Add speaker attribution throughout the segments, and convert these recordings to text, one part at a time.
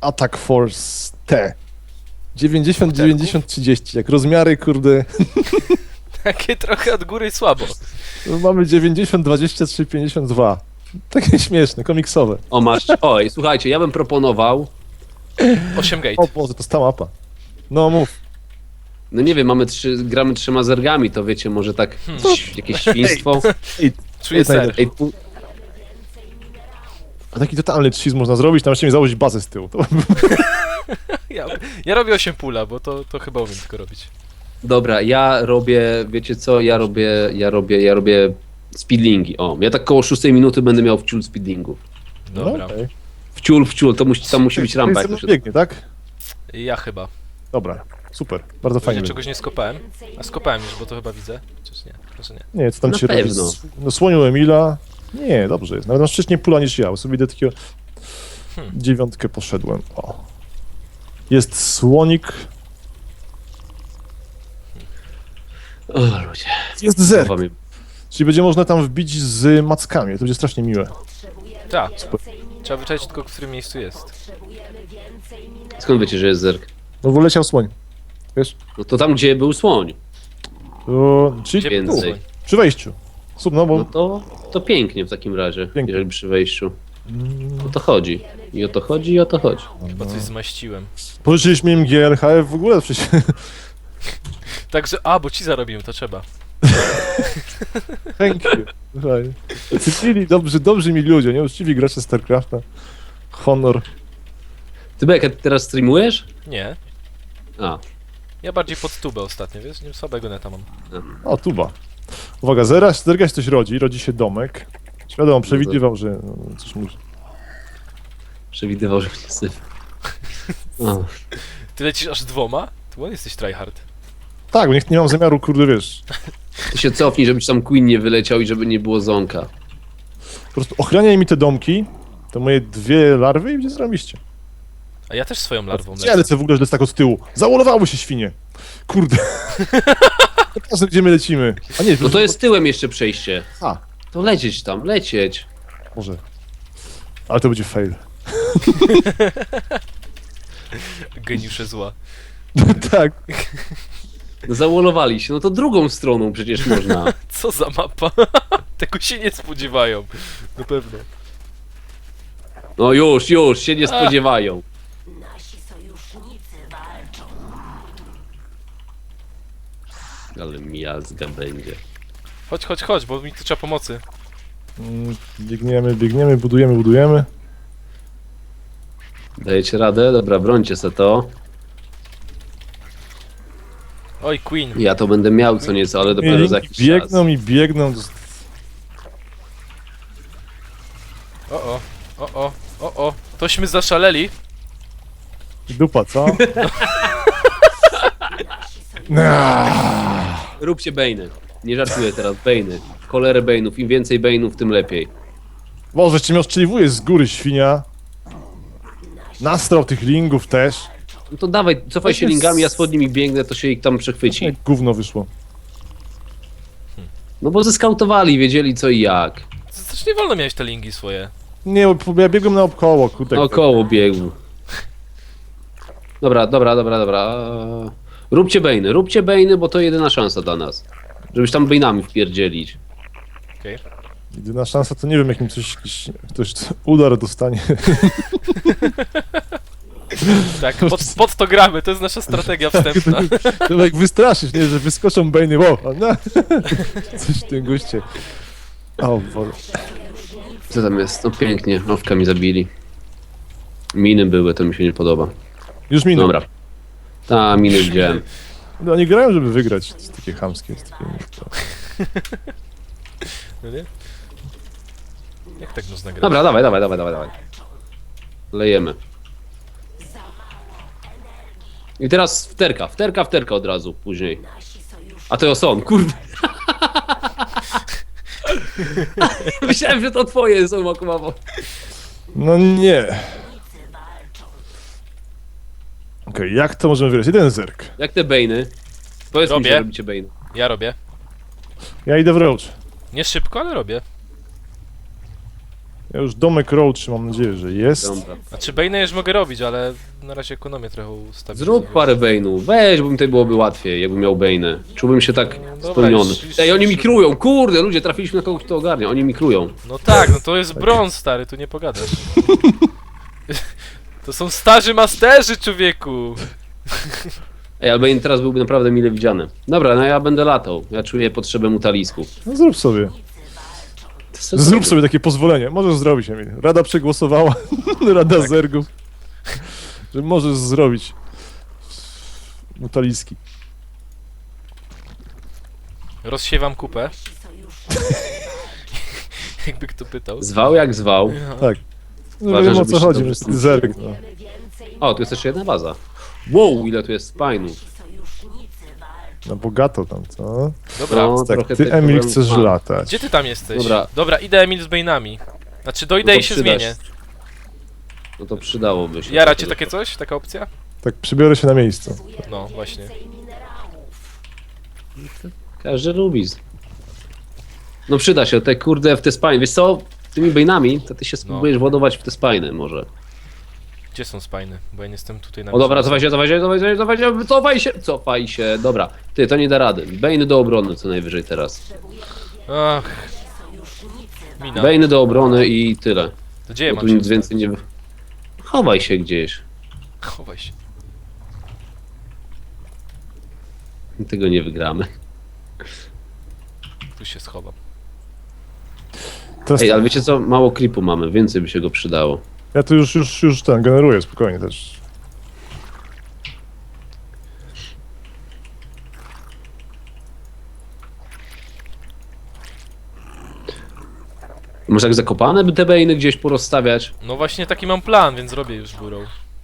Speaker 1: Attack Force T. 90-90-30, jak rozmiary, kurde.
Speaker 2: Takie trochę od góry słabo.
Speaker 1: Mamy 90-23-52. Takie śmieszne, komiksowe.
Speaker 3: O, masz. Oj, słuchajcie, ja bym proponował.
Speaker 2: 8 gate.
Speaker 1: O Boże, to jest ta mapa. No mów.
Speaker 3: No nie wiem, gramy 3 zergami, to wiecie, może tak jakieś świństwo.
Speaker 2: Czuję ser.
Speaker 3: Ej,
Speaker 1: A taki totalny cheese można zrobić, tam jeszcze mi założyć bazę z tyłu. To...
Speaker 2: Ja robię 8 pula, bo to chyba umiem tylko robić.
Speaker 3: dobra, ja robię, wiecie co, ja robię speedlingi. O, ja tak koło 6 minuty będę miał wciul speedlingów.
Speaker 2: Dobra.
Speaker 1: No, okay.
Speaker 3: Wciul, tam musi być rampa. Jak to się...
Speaker 1: biegnie, tak?
Speaker 2: Ja chyba.
Speaker 1: Dobra, super, bardzo
Speaker 2: Ja
Speaker 1: fajnie.
Speaker 2: czegoś nie skopałem. A skopałem już, bo to chyba widzę. Czyż nie? Może nie.
Speaker 1: Nie, co tam
Speaker 3: Na
Speaker 1: ci robi?
Speaker 3: pewno.
Speaker 1: No słoniu Emila. Nie, dobrze jest. Nawet mam wcześniej pula niż ja, bo sobie idę takiego... 9 poszedłem. O. Jest słonik.
Speaker 3: O, ludzie.
Speaker 1: Jest zer.
Speaker 3: Wam-
Speaker 1: Czyli będzie można tam wbić z mackami. To będzie strasznie miłe.
Speaker 2: Tak. Trzeba wyczaić tylko, w którym miejscu jest.
Speaker 3: Skąd wiecie, że jest zerk?
Speaker 1: No bo leciał słoń. Wiesz?
Speaker 3: No to tam, gdzie był słoń.
Speaker 1: Czyli
Speaker 2: Gdzie
Speaker 3: Więcej.
Speaker 2: był słoń?
Speaker 1: przy wejściu. No bo...
Speaker 3: No to pięknie w takim razie,
Speaker 1: Pięknie.
Speaker 3: jeżeli przy wejściu. O to chodzi. I o to chodzi, i o to chodzi.
Speaker 2: Chyba coś zmaściłem.
Speaker 1: Pożyczyliśmy im GLHF w ogóle przecież.
Speaker 2: Także, bo ci zarobiłem, to trzeba.
Speaker 1: Thank you. Słuchaj. Cywili, dobrzy mi ludzie, nie? Uczciwi gracze StarCrafta. Honor.
Speaker 3: Ty Bek, teraz streamujesz?
Speaker 2: Nie.
Speaker 3: A,
Speaker 2: Ja bardziej pod tubę ostatnio, wiesz? Nie słabego neta mam.
Speaker 1: O, tuba. Uwaga, zerga się coś rodzi się domek. Wiadomo, przewidywał, że coś musi.
Speaker 3: przewidywał, że mnie syf. O.
Speaker 2: Ty lecisz aż 2? Ty jesteś tryhard.
Speaker 1: Tak, bo nie mam zamiaru, kurde, wiesz,
Speaker 3: Ty się cofnij, żeby ci tam Queen nie wyleciał i żeby nie było zonka.
Speaker 1: po prostu ochraniaj mi te domki, to moje 2 larwy i będzie zrobiście.
Speaker 2: A ja też swoją larwą
Speaker 1: Ja lecę w ogóle, że jest tak od tyłu. Załolowały się świnie. Kurde. Teraz gdzie my lecimy. A nie,
Speaker 3: No to jest tyłem jeszcze przejście.
Speaker 1: A,
Speaker 3: To lecieć tam, lecieć.
Speaker 1: może. Ale to będzie fail.
Speaker 2: Geniusze zła.
Speaker 1: Tak.
Speaker 3: No załolowali się, no to drugą stroną przecież można.
Speaker 2: Co za mapa? Tego się nie spodziewają. Na pewno.
Speaker 3: No już się nie spodziewają.
Speaker 4: Nasi sojusznicy walczą.
Speaker 3: Ale miazga będzie.
Speaker 2: Chodź, bo mi tu trzeba pomocy.
Speaker 1: Biegniemy, budujemy.
Speaker 3: Dajecie radę? Dobra, brońcie se to.
Speaker 2: Oj, Queen.
Speaker 3: Ja to będę miał co nieco, ale dopiero za jakiś czas.
Speaker 1: Biegną.
Speaker 2: O. Tośmy zaszaleli.
Speaker 1: Dupa, co?
Speaker 3: Róbcie bejny. Nie żartuję teraz, bejny. Cholerę bejnów, im więcej bejnów, tym lepiej.
Speaker 1: Boże, cię mnie ostrzeliwuje z góry, świnia. Nastrał tych lingów też.
Speaker 3: No to dawaj, cofaj się lingami, ja pod nimi biegnę, to się ich tam przechwyci.
Speaker 1: Jak gówno wyszło.
Speaker 3: No bo zeskautowali, wiedzieli co i jak.
Speaker 2: Zresztą nie wolno miałeś te linki swoje.
Speaker 1: Nie, bo ja biegłem naokoło, kurde.
Speaker 3: Około biegł. Dobra. Róbcie bejny, bo to jedyna szansa dla nas. Żebyś tam bejnami wpierdzielić.
Speaker 2: Okej.
Speaker 1: Jedyna szansa to nie wiem, jak mi ktoś udar dostanie.
Speaker 2: Tak, pod to gramy, to jest nasza strategia wstępna.
Speaker 1: To jak wystraszysz, nie, że wyskoczą bejny, wow, no. Coś w tym guście. O Boże.
Speaker 3: Co tam jest? No pięknie, owka mi zabili. Miny były, to mi się nie podoba.
Speaker 1: Już minął.
Speaker 3: Dobra. Ta, miny widziałem.
Speaker 1: No, oni grają, żeby wygrać. To jest takie chamskie. Jest takie...
Speaker 2: No nie? Jak tak można grać?
Speaker 3: Dobra, dawaj. Lejemy. I teraz wterka od razu później. A to są, kurde. Myślałem, że to twoje są akurat.
Speaker 1: No nie. Okej, jak to możemy wygrać? Jeden zerk.
Speaker 3: Jak te bejny? Powiedz mi,
Speaker 2: Robię.
Speaker 3: że robicie bejny.
Speaker 2: Ja robię.
Speaker 1: Ja idę w roach.
Speaker 2: Nie szybko, ale robię.
Speaker 1: Ja już domek Roach mam nadzieję, że jest.
Speaker 3: Dobra.
Speaker 2: A czy Bane'a już mogę robić, ale na razie ekonomię trochę ustawić.
Speaker 3: Zrób parę Bane'ów, weź, bo mi tutaj byłoby łatwiej, jakbym miał Bane'y. Czułbym się tak
Speaker 2: dobra,
Speaker 3: spełniony.
Speaker 2: już-
Speaker 3: Ej, oni mikrują, kurde, ludzie, trafiliśmy na kogoś, kto ogarnia, oni mikrują.
Speaker 2: No tak, no to jest brąz, stary, tu nie pogadasz. To są starzy masterzy, człowieku!
Speaker 3: Ej, ale Bane teraz byłby naprawdę mile widziany. Dobra, no ja będę latał, ja czuję potrzebę mutalisku.
Speaker 1: No zrób sobie. Zrób sobie takie pozwolenie. Możesz zrobić, Emil. Rada przegłosowała. Rada Zergów. Że możesz zrobić. Mutaliski.
Speaker 2: Rozsiewam kupę. Jakby kto pytał.
Speaker 3: Zwał jak zwał.
Speaker 1: Tak. No
Speaker 3: Uważaj,
Speaker 1: wiem o
Speaker 3: żebyś
Speaker 1: co
Speaker 3: się
Speaker 1: chodzi,
Speaker 3: dobrze
Speaker 1: niestety
Speaker 3: czuł.
Speaker 1: Zerg. No.
Speaker 3: O, tu jest jeszcze jedna baza. Wow, ile tu jest spinów.
Speaker 1: No bogato tam, co?
Speaker 2: Dobra,
Speaker 3: No,
Speaker 1: Tak,
Speaker 3: trochę
Speaker 1: ty
Speaker 3: tych
Speaker 1: Emil
Speaker 3: problemów
Speaker 1: chcesz
Speaker 3: mam.
Speaker 1: latać.
Speaker 2: gdzie ty tam jesteś?
Speaker 3: Dobra.
Speaker 2: Dobra, idę Emil z Bane'ami. Znaczy dojdę
Speaker 3: No to
Speaker 2: i się
Speaker 3: przyda
Speaker 2: zmienię.
Speaker 3: No to przydałoby się.
Speaker 2: Jara cię takie coś? Taka opcja?
Speaker 1: Tak, przybiorę się na miejscu.
Speaker 2: No, właśnie.
Speaker 3: Każdy lubi. No przyda się, te kurde w te spiny. Wiesz co, tymi Bane'ami to ty się spróbujesz władować w te spiny może.
Speaker 2: Gdzie są spajny? Bo ja nie jestem tutaj na...
Speaker 3: O dobra, cofaj się, dobra. Ty, to nie da rady. Bane do obrony co najwyżej teraz.
Speaker 2: Ach. Mina.
Speaker 3: Bane do obrony i tyle.
Speaker 2: To gdzie ja
Speaker 3: Bo
Speaker 2: mam
Speaker 3: tu
Speaker 2: się
Speaker 3: nic więcej nie... Chowaj się gdzieś.
Speaker 2: Chowaj się.
Speaker 3: Tego nie wygramy.
Speaker 2: Tu się schowam.
Speaker 1: Teraz
Speaker 3: Ej, ale wiecie co? Mało creepu mamy, więcej by się go przydało.
Speaker 1: ja tu już ten generuję spokojnie też.
Speaker 3: Może tak zakopane by te Bane'y gdzieś porozstawiać?
Speaker 2: No właśnie taki mam plan, więc robię już górą.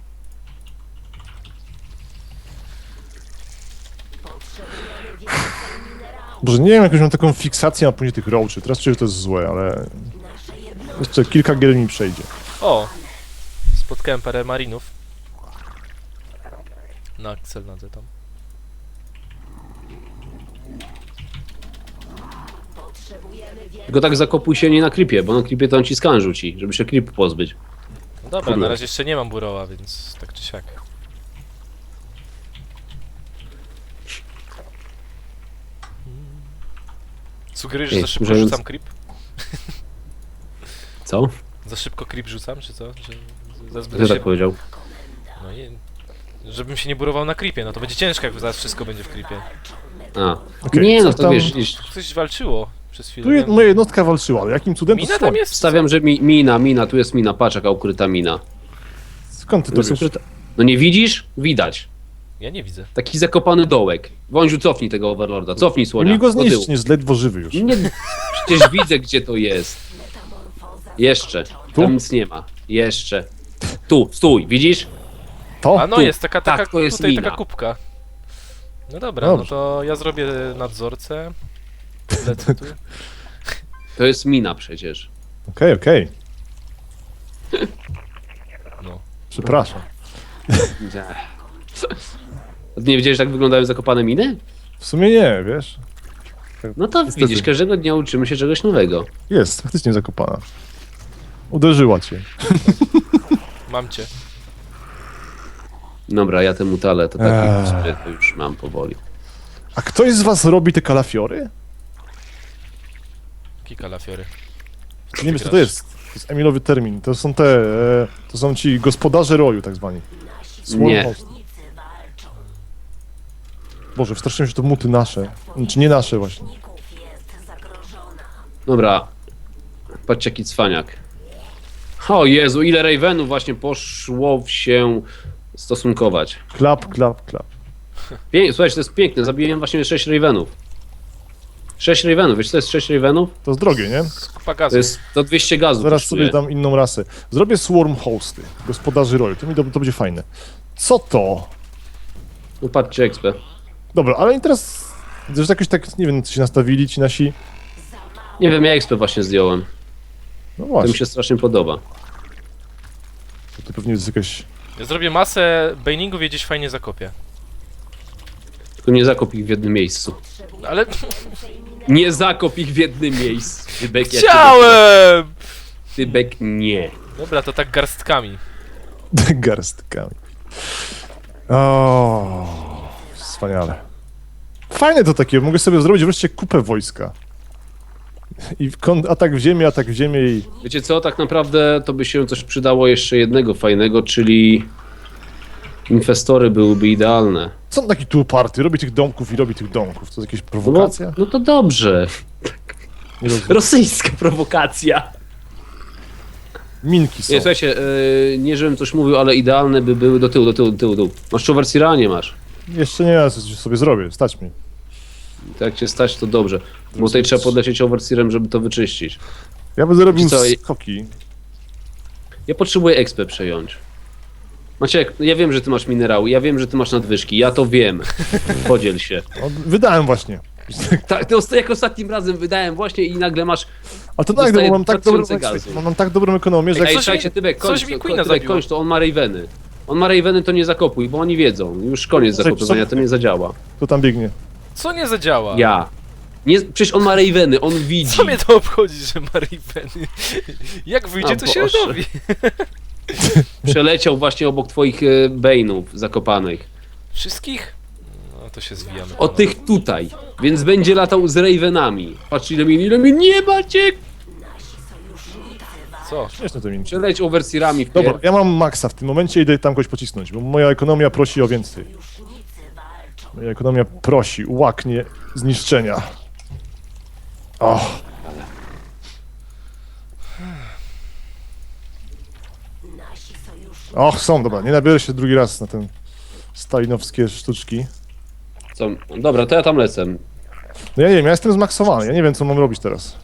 Speaker 1: Boże, nie wiem, jakąś mam taką fiksację na później tych roachy. Teraz czuję, że to jest złe, ale... Jeszcze kilka gier mi przejdzie.
Speaker 2: O! Spotkałem parę marinów. Na Axelnadze tam.
Speaker 3: Tylko tak zakopuj się nie na creepie, bo na creepie to on ci skan rzuci, żeby się creepu pozbyć.
Speaker 2: No dobra, na razie jeszcze nie mam buroła, więc tak czy siak. Sugerujesz, że
Speaker 3: Ej,
Speaker 2: za szybko
Speaker 3: używając-
Speaker 2: rzucam creep?
Speaker 3: Co?
Speaker 2: Za szybko creep rzucam, czy co? Że za zbyt
Speaker 3: Kto tak
Speaker 2: się...
Speaker 3: powiedział?
Speaker 2: No i... Żebym się nie burował na creepie, no to będzie ciężko, jak zaraz wszystko będzie w creepie.
Speaker 3: A.
Speaker 1: Okej,
Speaker 3: Nie, no
Speaker 1: co
Speaker 3: to
Speaker 1: tam-
Speaker 3: wiesz, gdzieś...
Speaker 2: Coś walczyło przez chwilę.
Speaker 1: Tu moja jednostka walczyła, ale jakim cudem to
Speaker 2: Mina
Speaker 1: słoń?
Speaker 2: tam jest?
Speaker 3: Stawiam, że mina, tu jest mina, patrz jaka ukryta mina.
Speaker 1: Skąd ty
Speaker 3: Tu
Speaker 1: to
Speaker 3: jest
Speaker 1: wiesz?
Speaker 3: ukryta... No nie widzisz? Widać.
Speaker 2: Ja nie widzę.
Speaker 3: Taki zakopany dołek. Wąziu, cofnij tego Overlorda, cofnij słonia.
Speaker 1: Mi go
Speaker 3: do tyłu.
Speaker 1: zniszczy, jest ledwo żywy już.
Speaker 3: Nie, przecież widzę gdzie to jest. Jeszcze.
Speaker 1: Tu?
Speaker 3: Tam nic nie ma. Jeszcze. Tu, stój, widzisz?
Speaker 1: To?
Speaker 2: A no
Speaker 3: tu.
Speaker 2: jest taka
Speaker 3: Tak, to jest
Speaker 2: tutaj
Speaker 3: mina.
Speaker 2: taka kubka. No dobra,
Speaker 1: Dobrze.
Speaker 2: no to ja zrobię nadzorcę. Lecę tu.
Speaker 3: To jest mina przecież.
Speaker 1: Okej.
Speaker 2: No.
Speaker 1: Przepraszam.
Speaker 3: Nie wiedziałeś, jak wyglądają zakopane miny?
Speaker 1: W sumie nie, wiesz?
Speaker 3: No to
Speaker 1: Niestety.
Speaker 3: widzisz, każdego dnia uczymy się czegoś nowego.
Speaker 1: Jest, faktycznie zakopana. Uderzyła cię.
Speaker 2: Mam cię.
Speaker 3: Dobra, ja te mutale to tak
Speaker 1: Eee.
Speaker 3: sobie to już mam powoli.
Speaker 1: A ktoś z was robi te kalafiory?
Speaker 2: Kika lafiory.
Speaker 1: Nie wiem, co to jest. To jest Emilowy termin. To są te... to są ci gospodarze roju, tak zwani.
Speaker 3: Nie.
Speaker 1: Host. Boże, wstraszyłem się, to muty nasze. Czy nie nasze właśnie.
Speaker 4: jest zagrożona.
Speaker 3: Dobra. Patrzcie jaki cwaniak. O Jezu, ile Ravenów właśnie poszło się stosunkować.
Speaker 1: Klap.
Speaker 3: Słuchajcie, to jest piękne, zabiłem właśnie 6 Ravenów. 6 Ravenów, wiesz co to jest 6 Ravenów?
Speaker 1: To jest drogie, nie?
Speaker 2: Kupa gazu.
Speaker 3: To jest to 200 gazów.
Speaker 1: Zaraz
Speaker 3: kosztuje.
Speaker 1: sobie dam inną rasę. Zrobię swarm hosty. Gospodarzy roju. To będzie fajne. Co to?
Speaker 3: No patrzcie XP.
Speaker 1: Dobra, ale i teraz... Że jakoś tak, nie wiem, co się nastawili ci nasi...
Speaker 3: Nie wiem, ja XP właśnie zdjąłem.
Speaker 1: No
Speaker 3: To
Speaker 1: właśnie,
Speaker 3: mi się strasznie podoba.
Speaker 1: to pewnie jest jakaś...
Speaker 2: Ja zrobię masę baningów i gdzieś fajnie zakopię.
Speaker 3: Tylko nie zakop ich w jednym miejscu.
Speaker 2: No ale
Speaker 3: Nie zakop ich w jednym miejscu. Rybek, ja cię-
Speaker 2: chciałem!
Speaker 3: Tybek nie.
Speaker 2: Dobra, to tak garstkami.
Speaker 1: Garstkami. O, wspaniale. Fajne to takie, mogę sobie zrobić wreszcie kupę wojska. I atak w ziemię i...
Speaker 3: Wiecie co, tak naprawdę to by się coś przydało jeszcze jednego fajnego, czyli infestory byłyby idealne.
Speaker 1: Co on taki tu uparty? Robi tych domków i robi tych domków. To jest jakaś
Speaker 3: No,
Speaker 1: prowokacja?
Speaker 3: no to dobrze.
Speaker 1: Nie rozumiem.
Speaker 3: Rosyjska prowokacja.
Speaker 1: Minki są.
Speaker 3: Nie, słuchajcie, nie żebym coś mówił, ale idealne by były do tyłu. Masz Choversira? Nie masz.
Speaker 1: Jeszcze nie, ja coś sobie zrobię, stać mi.
Speaker 3: To jak cię stać, to dobrze. Bo tutaj trzeba podlecieć Overseerem, żeby to wyczyścić.
Speaker 1: Ja będę robił
Speaker 3: Co,
Speaker 1: skoki.
Speaker 3: Ja potrzebuję expę przejąć. Maciek, ja wiem, że ty masz minerały, ja wiem, że ty masz nadwyżki, ja to wiem. Podziel się.
Speaker 1: No, wydałem właśnie.
Speaker 3: Tak, to jak ostatnim razem wydałem właśnie i nagle masz...
Speaker 1: Ale to tak,
Speaker 3: Dostaję
Speaker 1: bo mam tak, dobrą,
Speaker 3: 2000 gazu.
Speaker 1: mam tak dobrą ekonomię, że jak
Speaker 3: Ej,
Speaker 2: coś
Speaker 3: słuchajcie,
Speaker 2: mi-
Speaker 3: Tybek,
Speaker 2: coś
Speaker 3: kończ,
Speaker 2: mi Queena
Speaker 3: Tybek,
Speaker 2: zabiło.
Speaker 3: kończ to, on ma Raveny. On ma Raveny, to nie zakopuj, bo oni wiedzą. Już koniec
Speaker 1: Słuchaj,
Speaker 3: zakopywania, to nie zadziała.
Speaker 1: to tam biegnie.
Speaker 2: Co nie zadziała?
Speaker 3: Ja. Nie, przecież on ma Raveny, on widzi.
Speaker 2: Co mnie to obchodzi, że ma Raveny? Jak wyjdzie,
Speaker 3: A,
Speaker 2: to się
Speaker 3: Boże.
Speaker 2: dowie.
Speaker 3: Przeleciał właśnie obok twoich Bane'ów zakopanych.
Speaker 2: Wszystkich? No to się zwijamy.
Speaker 3: O tych tutaj. Więc będzie latał z Ravenami. Patrz ile mi nie Maciek!
Speaker 2: Co?
Speaker 1: Śmieszne to minki.
Speaker 3: Przeleć Overseerami w
Speaker 1: Dobra, ja mam maksa w tym momencie, idę tam kogoś pocisnąć, bo moja ekonomia prosi o więcej. Moja ekonomia prosi, łaknie zniszczenia. O,
Speaker 4: Nasi sojusznicy
Speaker 1: och, są, dobra, nie nabiorę się drugi raz na ten stalinowskie sztuczki.
Speaker 3: Co? Dobra, to ja tam lecę.
Speaker 1: No ja nie wiem, ja jestem zmaksowany, ja nie wiem, co mam robić teraz.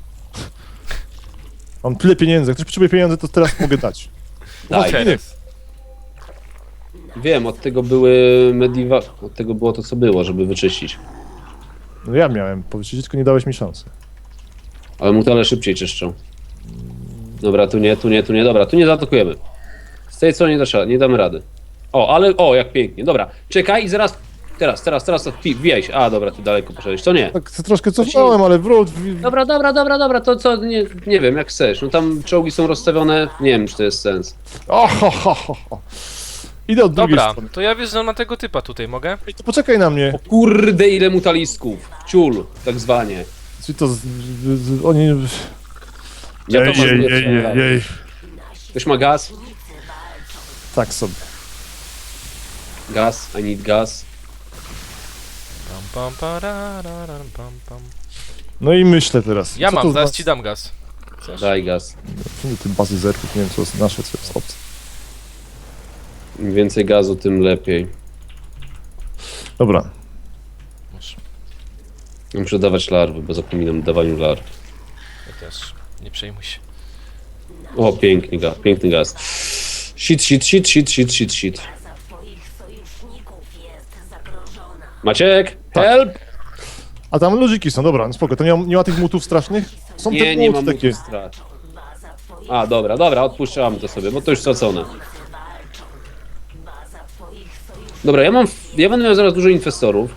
Speaker 1: Mam tyle pieniędzy, jak ktoś potrzebuje pieniędzy, to teraz mogę dać.
Speaker 3: Daj.
Speaker 2: Teraz.
Speaker 3: Wiem, od tego były Od tego było to, co było, żeby wyczyścić.
Speaker 1: No ja miałem powiedzieć, tylko nie dałeś mi szansy.
Speaker 3: Ale mutale szybciej czyszczą. Dobra, tu nie, dobra, tu nie zaatakujemy. Z tej strony nie damy rady. O, ale, jak pięknie, dobra. Czekaj i zaraz, teraz, wbijaj się. A, dobra, ty daleko poszedłeś, to nie.
Speaker 1: Tak troszkę cofnąłem, ale wróć.
Speaker 3: Dobra, to co, nie wiem, jak chcesz. No tam czołgi są rozstawione, nie wiem, czy to jest sens.
Speaker 1: O, ho. Idę od drugiej
Speaker 2: Dobra,
Speaker 1: strony.
Speaker 2: to ja wjeżdżam na tego typa tutaj, mogę?
Speaker 1: Ej, to poczekaj na mnie.
Speaker 3: O kurde, ile mutalisków. Ciul, tak zwanie.
Speaker 1: Czyli to oni...
Speaker 3: Ja to
Speaker 1: Jej,
Speaker 3: mam
Speaker 1: jej,
Speaker 3: lepsze.
Speaker 1: jej.
Speaker 3: Ktoś ma gaz?
Speaker 1: Tak sobie.
Speaker 3: Gaz, I need gas.
Speaker 2: Pam, parararam, pam.
Speaker 1: No i myślę teraz.
Speaker 2: Ja
Speaker 1: co to
Speaker 2: mam,
Speaker 1: z
Speaker 2: zaraz
Speaker 1: was-
Speaker 2: ci dam gaz. Chcesz?
Speaker 3: Daj gaz.
Speaker 1: Czemu ty bazy zerków, nie wiem co jest nasze, co jest obce.
Speaker 3: Im więcej gazu, tym lepiej.
Speaker 1: Dobra.
Speaker 2: Masz.
Speaker 3: Muszę dawać larwy, bo zapominam o dawaniu larw.
Speaker 2: Ja też. Nie przejmuj się.
Speaker 3: O, piękny gaz. Shit.
Speaker 4: za twoich sojuszników jest zagrożona.
Speaker 3: Maciek,
Speaker 1: Tak.
Speaker 3: help!
Speaker 1: A tam ludziki są, dobra, no spoko. To nie ma tych mutów strasznych? Są te
Speaker 3: Nie
Speaker 1: muty
Speaker 3: mam
Speaker 1: takie.
Speaker 3: strat.
Speaker 4: Baza twoich
Speaker 3: A, dobra, odpuszczamy to sobie, bo to już stracone.
Speaker 4: walczą. Baza twoich sojuszników
Speaker 3: Dobra, ja będę miał zaraz dużo inwestorów.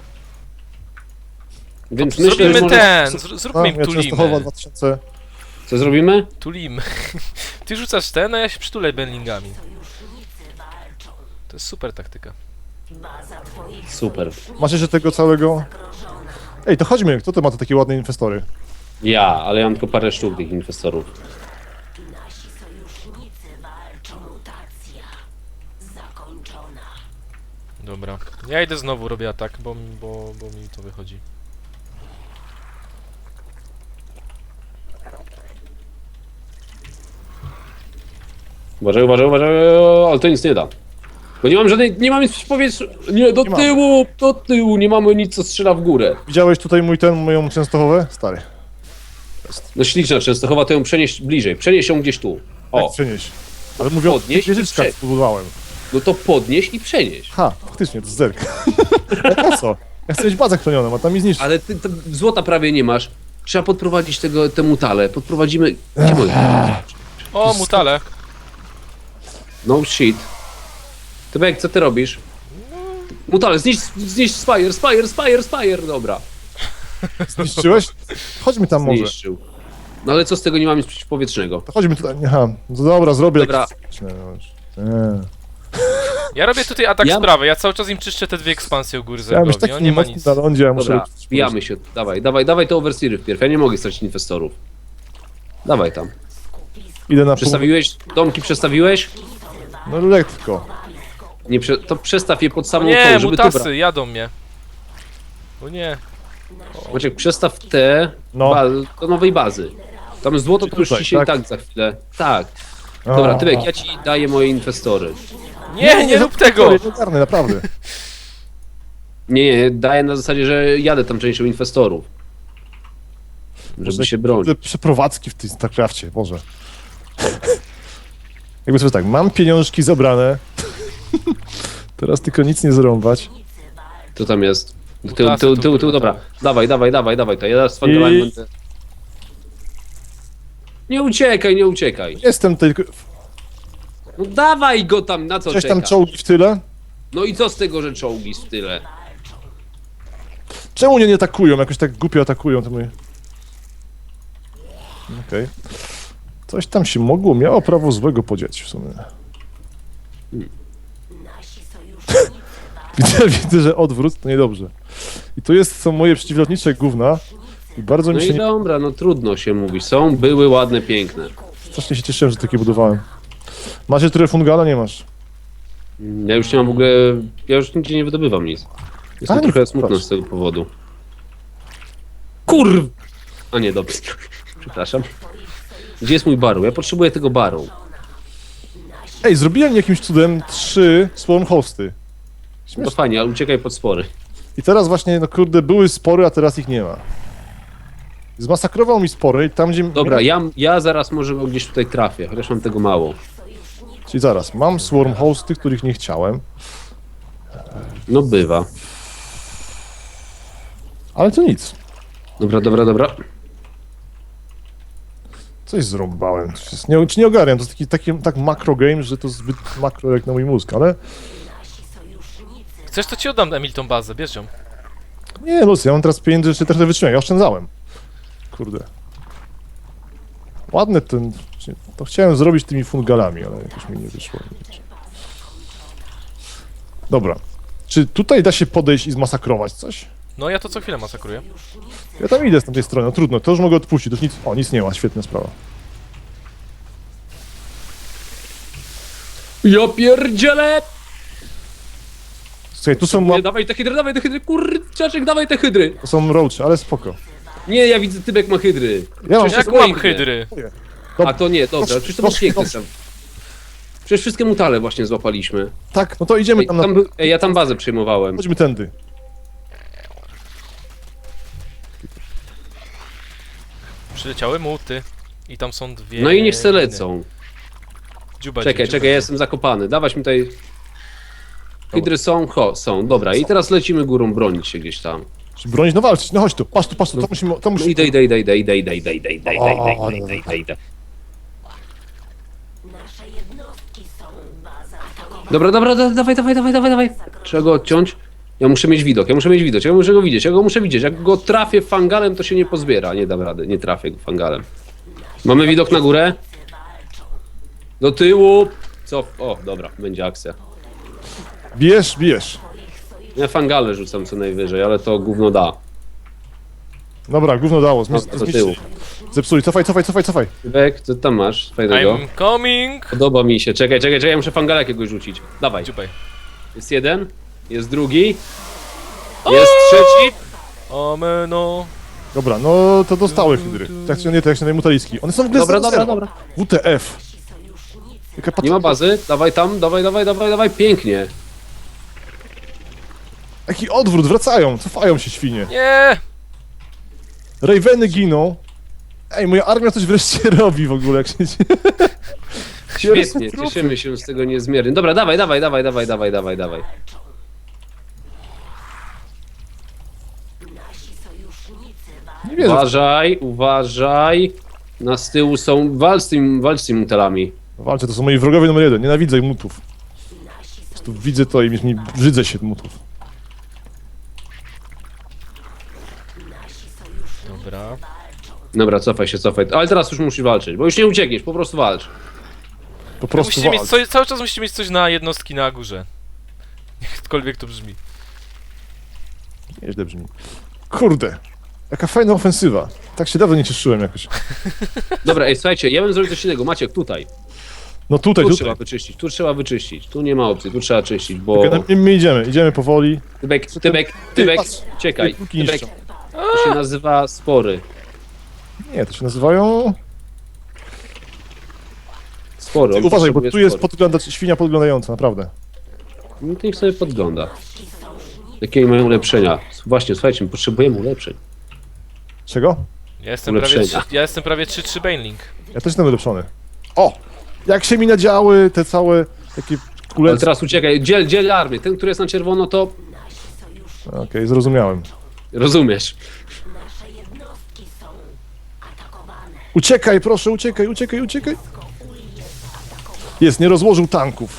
Speaker 3: Więc myślę, że
Speaker 2: Zrobimy
Speaker 3: może...
Speaker 2: ten, zróbmy im
Speaker 1: ja Częstochowa
Speaker 2: tulimy.
Speaker 1: 2000.
Speaker 3: Co zrobimy?
Speaker 2: Tulimy. Ty rzucasz ten, a ja się przytulę benlingami.
Speaker 4: walczą.
Speaker 2: To jest super taktyka.
Speaker 4: Baza twoich
Speaker 3: Super.
Speaker 1: Masz jeszcze tego całego...
Speaker 4: zagrożona.
Speaker 1: Ej, to chodźmy, kto to ma te takie ładne inwestory?
Speaker 3: Ja, ale ja mam tylko parę sztuk tych inwestorów.
Speaker 4: Nasi sojusznicy walczą. Mutacja zakończona.
Speaker 2: Dobra. Ja idę znowu, robię atak, bo mi to wychodzi.
Speaker 3: Uważaj, ale to nic nie da. Bo nie mam nic w powietrzu. Nie, do
Speaker 1: Nie
Speaker 3: tyłu, nie mamy nic, co strzela w górę.
Speaker 1: Widziałeś tutaj moją Częstochowę? Stary.
Speaker 3: No śliczna Częstochowa, to ją przenieść bliżej. Przenieś ją gdzieś tu.
Speaker 1: Tak,
Speaker 3: O,
Speaker 1: przenieś. Ale mówię o
Speaker 3: Podnieś
Speaker 1: tych wieżyczkach,
Speaker 3: i prze-
Speaker 1: spróbowałem.
Speaker 3: no to podnieś i przenieś.
Speaker 1: Ha, faktycznie, to jest zerk. Ale po co? Ja chcę mieć bazę chronioną, a tam mi zniszczy.
Speaker 3: Ale ty złota prawie nie masz. Trzeba podprowadzić te mutale. Podprowadzimy... Gdzie moje?
Speaker 2: O, mutale.
Speaker 3: No shit. Tybek, co ty robisz? Mutale, zniszcz Spire, dobra.
Speaker 1: Zniszczyłeś? Chodźmy tam może.
Speaker 3: Zniszczył. No ale co z tego, nie mamy nic przeciwpowietrznego.
Speaker 1: To chodźmy tutaj, aha, no dobra, zrobię
Speaker 3: Dobra.
Speaker 1: jakieś... Nie.
Speaker 2: Ja robię tutaj atak
Speaker 3: Ja-
Speaker 2: z prawej, ja cały czas im czyszczę te dwie ekspansje u góry
Speaker 1: Chciałem być
Speaker 2: zergowi, on
Speaker 1: taki
Speaker 2: nie ma
Speaker 1: mocny
Speaker 2: nic.
Speaker 1: na lądzie, a muszę...
Speaker 3: Dobra, wbijamy się. Dawaj te overseery wpierw. Ja nie mogę stracić inwestorów. Dawaj tam.
Speaker 1: Idę na...
Speaker 3: Przestawiłeś? Domki przestawiłeś?
Speaker 1: No lekko.
Speaker 3: Nie, to przestaw je pod samą
Speaker 2: Nie,
Speaker 3: tą, żeby tu
Speaker 2: mutasy, jadą mnie. O nie.
Speaker 3: Maciek, przestaw te
Speaker 1: No.
Speaker 3: do nowej bazy. Tam złoto to już
Speaker 1: tutaj,
Speaker 3: ci się i
Speaker 1: tak?
Speaker 3: tak za chwilę. Tak. Dobra,
Speaker 1: A.
Speaker 3: Tybek, ja ci daję moje inwestory.
Speaker 2: Nie rób tego!
Speaker 1: Nie ogarnę, naprawdę.
Speaker 3: Nie, daję na zasadzie, że jadę tam częścią inwestorów. Żeby się bronić.
Speaker 1: Te przeprowadzki w tym StarCrafcie, Boże. Jakby sobie tak, mam pieniążki zebrane. Teraz tylko nic nie zrąbać.
Speaker 3: Co tam jest?
Speaker 2: Mutasy tu,
Speaker 3: Tył,
Speaker 2: kurwa,
Speaker 3: dobra.
Speaker 2: tak.
Speaker 3: Dawaj, to ja teraz z Fangalem
Speaker 1: I-
Speaker 3: będę... Nie uciekaj.
Speaker 1: Jestem tylko...
Speaker 3: No dawaj go tam, na co
Speaker 1: Gdzieś tam
Speaker 3: czekasz?
Speaker 1: czołgi w tyle.
Speaker 3: No i co z tego, że czołgi w tyle?
Speaker 1: Czemu nie atakują? Jakoś tak głupio atakują, to my... Okej. Coś tam się mogło, miało prawo złego podziać w sumie.
Speaker 4: Nasi sojusznicy
Speaker 1: Widzę, że odwrót to niedobrze. I to są moje przeciwlotnicze gówna. I bardzo
Speaker 3: No
Speaker 1: mi
Speaker 3: i
Speaker 1: się nie...
Speaker 3: dobra, no trudno się mówić. Są, były ładne, piękne.
Speaker 1: Strasznie się cieszyłem, że takie budowałem. Macie trochę fungala? Nie masz.
Speaker 3: Ja już nie mam w ogóle... Ja już nigdzie nie wydobywam nic. Jestem
Speaker 1: A, nie,
Speaker 3: trochę smutno
Speaker 1: proszę.
Speaker 3: z tego powodu. Kurw! A nie, dobrze. Przepraszam. Gdzie jest mój baru? Ja potrzebuję tego baru.
Speaker 1: Ej, zrobiłem jakimś cudem 3 swarm hosty.
Speaker 3: No fajnie, ale uciekaj pod spory.
Speaker 1: I teraz właśnie, no kurde, były spory, a teraz ich nie ma. Zmasakrował mi spory i tam gdzie...
Speaker 3: Dobra, ja zaraz może go gdzieś tutaj trafię, chociaż mam tego mało.
Speaker 1: Czyli zaraz, mam swarm hosty, których nie chciałem,
Speaker 3: No bywa.
Speaker 1: ale to nic.
Speaker 3: Dobra.
Speaker 1: Coś zrąbałem. Czy nie ogarniam, to jest tak makro game, że to zbyt makro jak na mój mózg, ale...
Speaker 2: Chcesz, to ci oddam, Emil, tą bazę, bierz ją.
Speaker 1: Nie, Lucy, ja mam teraz pieniędzy, jeszcze trochę wytrzymałem, ja oszczędzałem. Kurde. Ładny ten... To chciałem zrobić tymi fungalami, ale jakoś mi nie wyszło. Dobra. Czy tutaj da się podejść i zmasakrować coś?
Speaker 2: No ja to co chwilę masakruję.
Speaker 1: Ja tam idę z tamtej strony, no trudno, to już mogę odpuścić, to już nic... O, nic nie ma, świetna sprawa.
Speaker 3: Ja pierdzielę!
Speaker 1: Słuchaj, tu są,
Speaker 3: Nie, dawaj te hydry, kurczaczek, dawaj te hydry!
Speaker 1: to są roache, ale spoko.
Speaker 3: Nie, ja widzę, Tybek ma hydry.
Speaker 1: Ja mam...
Speaker 3: Przecież
Speaker 2: Jak
Speaker 3: to
Speaker 2: mam
Speaker 3: piękne.
Speaker 2: hydry?
Speaker 3: A to nie, dobra, przecież to był
Speaker 1: Troszkę,
Speaker 3: piękny sam. Przecież wszystkie mutale właśnie złapaliśmy.
Speaker 1: Tak, no to idziemy
Speaker 3: Ej,
Speaker 1: tam na...
Speaker 3: ja tam bazę przejmowałem.
Speaker 1: Chodźmy tędy.
Speaker 2: Przyleciały muty. I tam są dwie...
Speaker 3: No i niech se lecą.
Speaker 2: Dziuba,
Speaker 3: Czekaj, ja jestem zakopany. Dawać mi tutaj... Hydry są? Są, dobra. I teraz lecimy górą bronić się gdzieś tam.
Speaker 1: Czy bronić? No walczyć, no chodź tu, patrz tu, to musimy... To
Speaker 3: No
Speaker 1: musimy...
Speaker 3: idę.
Speaker 4: nasze jednostki są baza atakowana.
Speaker 3: Dobra, dawaj. Trzeba go odciąć. Ja muszę mieć widok, ja muszę go widzieć. Jak go trafię fangalem, to się nie pozbiera. Nie dam rady, nie trafię go fangalem. Mamy widok na górę? Do tyłu. Co? O, dobra, będzie akcja.
Speaker 1: Bijesz.
Speaker 3: Ja fangale rzucam co najwyżej, ale to gówno da.
Speaker 1: Dobra, gówno dało,
Speaker 3: No, do tyłu.
Speaker 1: Zepsuli, cofaj.
Speaker 3: Tybek, co tam masz fajnego?
Speaker 2: I'm coming!
Speaker 3: Podoba mi się. Czekaj, ja muszę fangala jakiegoś rzucić. Dawaj.
Speaker 2: Dziubaj.
Speaker 3: Jest jeden, jest drugi, jest trzeci.
Speaker 2: Omeno.
Speaker 1: Dobra, no to dostały hydry. Tak się nie, tak się mutaliski. One są w ogóle
Speaker 3: Dobra.
Speaker 1: WTF. Jaka
Speaker 3: Nie ma bazy, dawaj tam, dawaj, pięknie.
Speaker 1: Jaki odwrót, wracają, cofają się świnie.
Speaker 2: Nie!
Speaker 1: Raveny giną. Ej, moja armia coś wreszcie robi w ogóle, jak się...
Speaker 3: Świetnie, cieszymy się z tego niezmiernie. Dobra, dawaj.
Speaker 4: Nasi sojusznicy
Speaker 1: Nie wierzę.
Speaker 3: Uważaj. Z tyłu są, walcz z tymi mutelami.
Speaker 1: Walczę, to są moi wrogowie numer 1, nienawidzę mutów. Po prostu widzę to i brzydzę się mutów.
Speaker 2: Dobra.
Speaker 3: Dobra, cofaj się, cofaj. Ale teraz już musisz walczyć, bo już nie uciekniesz, po prostu walcz.
Speaker 1: Po prostu
Speaker 2: Musicie mieć
Speaker 1: walcz.
Speaker 2: coś, cały czas musicie mieć coś na jednostki na górze. Jakkolwiek to brzmi.
Speaker 1: Nieźle brzmi. Kurde, jaka fajna ofensywa. Tak się dawno nie cieszyłem jakoś.
Speaker 3: Dobra, ej, słuchajcie, ja bym zrobił coś innego. Maciek, tutaj.
Speaker 1: No tutaj,
Speaker 3: Tu
Speaker 1: tutaj.
Speaker 3: trzeba wyczyścić, tu trzeba wyczyścić. Tu nie ma opcji, tu trzeba czyścić, bo...
Speaker 1: Czekaj, my idziemy powoli.
Speaker 3: Tybek,
Speaker 1: patrz,
Speaker 3: uciekaj.
Speaker 1: póki
Speaker 3: Tybek,
Speaker 1: niszczą.
Speaker 3: to się nazywa spory.
Speaker 1: Nie, to się nazywają...
Speaker 3: Spory. on
Speaker 1: Uważaj, bo
Speaker 3: potrzebuje
Speaker 1: tu jest
Speaker 3: spory.
Speaker 1: świnia podglądająca, naprawdę.
Speaker 3: No to niech sobie podgląda. Jakie mają ulepszenia? Właśnie, słuchajcie, my potrzebujemy ulepszeń.
Speaker 1: Czego?
Speaker 2: Ja jestem prawie
Speaker 3: Ulepszenia.
Speaker 2: ja jestem prawie 3-3 Baneling.
Speaker 1: Ja też jestem ulepszony. O! Jak się mi nadziały te całe takie
Speaker 3: Ale
Speaker 1: kulece.
Speaker 3: teraz uciekaj, dziel armię. Ten, który jest na czerwono, to
Speaker 1: Okej, zrozumiałem.
Speaker 3: rozumiesz.
Speaker 4: Nasze jednostki są atakowane.
Speaker 1: Uciekaj, proszę, uciekaj. Jest, nie rozłożył tanków.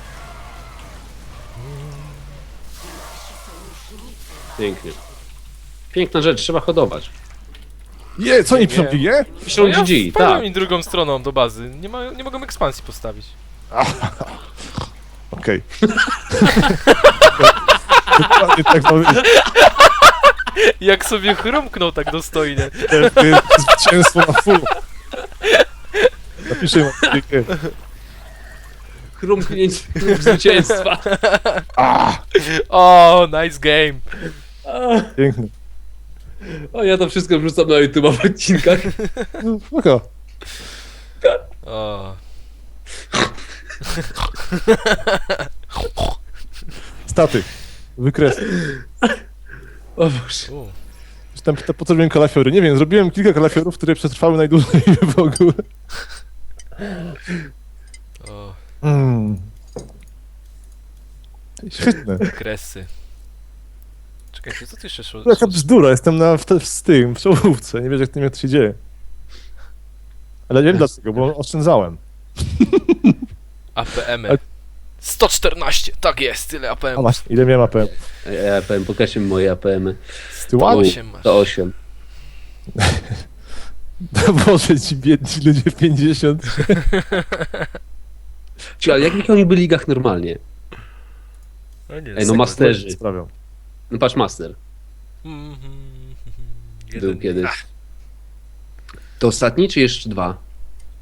Speaker 3: Pięknie. Piękna rzecz, trzeba hodować.
Speaker 1: Co oni piszą, je?
Speaker 3: Piszą
Speaker 2: No ja
Speaker 3: GG,
Speaker 2: wpadłem
Speaker 3: tak.
Speaker 2: im drugą stroną do bazy. Nie mogą ekspansji postawić.
Speaker 1: Okej. Dokładnie tak ma być.
Speaker 2: Jak sobie chrumknął tak dostojnie.
Speaker 1: To jest zwycięstwo na full. Napiszę im.
Speaker 3: Chrumknięcie zwycięstwa.
Speaker 2: O, nice game.
Speaker 1: Piękny.
Speaker 3: O, ja to wszystko wrzucam na YouTube w odcinkach.
Speaker 1: No, spoko.
Speaker 2: O.
Speaker 1: Staty. Wykres.
Speaker 3: O Boże.
Speaker 1: Tam po co robiłem kalafiory? Nie wiem, zrobiłem kilka kalafiorów, które przetrwały najdłużej w ogóle.
Speaker 2: O,
Speaker 1: Świetne.
Speaker 2: kresy. Czekajcie, co tu jeszcze szło?
Speaker 1: Jaka bzdura, jestem w czołówce, nie wiesz jak to się dzieje. Ale wiem dlaczego, bo oszczędzałem.
Speaker 2: APM.
Speaker 1: Ale-
Speaker 2: 114, tak jest, tyle
Speaker 1: A
Speaker 2: APM.
Speaker 1: masz, ile miałem APM?
Speaker 3: APM, pokażcie mi moje APM-y.
Speaker 1: Z tyłu?
Speaker 2: 8 masz.
Speaker 3: To 8.
Speaker 1: Boże, ci biedni ludzie 50.
Speaker 3: Ale jakich oni byli ligach normalnie?
Speaker 2: No nie,
Speaker 3: Ej, no masterzy.
Speaker 1: Sprawią.
Speaker 3: No patrz, master.
Speaker 2: Mhm.
Speaker 3: Był kiedyś. To ostatni, czy jeszcze dwa?